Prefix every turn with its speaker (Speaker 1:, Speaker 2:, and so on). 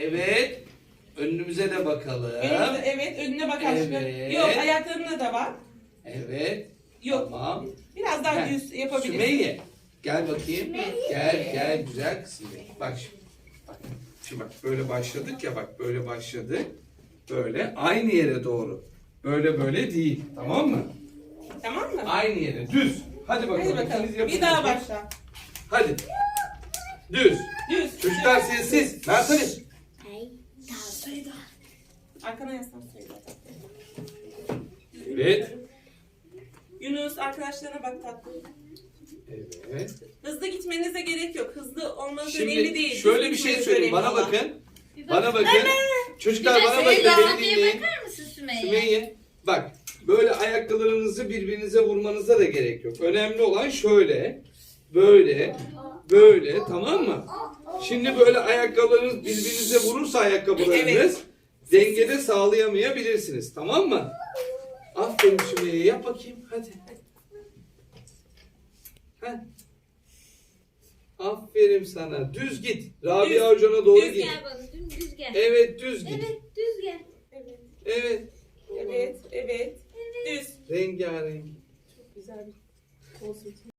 Speaker 1: Evet. Önümüze de bakalım.
Speaker 2: Evet, önüne bak aşkım.
Speaker 1: Evet.
Speaker 2: Yok, ayaklarına da bak.
Speaker 1: Evet.
Speaker 2: Yok.
Speaker 1: Tamam.
Speaker 2: Biraz daha
Speaker 1: Heh,
Speaker 2: düz yapabilirsin.
Speaker 1: Sümeyye. Gel bakayım.
Speaker 3: Sümeyye.
Speaker 1: Gel güzel kızım benim. Bak şimdi. Bak. Şimdi bak böyle başladık ya, bak böyle başladık. Böyle aynı yere doğru. Böyle değil. Tamam mı?
Speaker 2: Tamam mı?
Speaker 1: Aynı yere düz. Hadi bakalım.
Speaker 2: Hadi bakalım.
Speaker 1: İkiniz yapın
Speaker 2: Bir daha
Speaker 1: bakayım.
Speaker 2: başla.
Speaker 1: Hadi. Düz.
Speaker 2: Düz.
Speaker 1: Çocuklar sessiz. Mert Ali.
Speaker 2: Arkana yaslan söyle.
Speaker 1: Evet.
Speaker 2: Yunus, arkadaşlarına bak tatlım.
Speaker 1: Evet.
Speaker 2: Hızlı gitmenize gerek yok. Hızlı olmanız önemli
Speaker 1: Şimdi
Speaker 2: değil.
Speaker 1: şöyle bir
Speaker 2: Düz
Speaker 1: şey
Speaker 2: gitmeniz
Speaker 1: söyleyeyim.
Speaker 2: önemli
Speaker 1: Bana
Speaker 2: olan.
Speaker 1: bakın. Bana bakın. Çocuklar bana bakın.
Speaker 3: Sümeyye,
Speaker 1: Beni
Speaker 3: abiye
Speaker 1: dinleyin.
Speaker 3: bakar mısın Sümeyye?
Speaker 1: Sümeyye. Bak. Böyle ayaklarınızı birbirinize vurmanıza da gerek yok. Önemli olan şöyle. Böyle. Tamam mı? Şimdi böyle ayakkabılarınız birbirinize vurursa ayakkabılarınız
Speaker 2: Evet.
Speaker 1: dengede sağlayamayabilirsiniz. Tamam mı? Aferin Sümeyye. Yap bakayım. Hadi. Heh. Aferin sana. Düz git. Rabia hocana doğru
Speaker 3: Düz
Speaker 1: git.
Speaker 3: gel bana, düz gel.
Speaker 1: Evet düz git.
Speaker 3: Evet, düz gel.
Speaker 2: Evet.
Speaker 1: Evet.
Speaker 2: Evet. Düz.
Speaker 1: Rengarenk.
Speaker 2: Çok güzel bir olsun.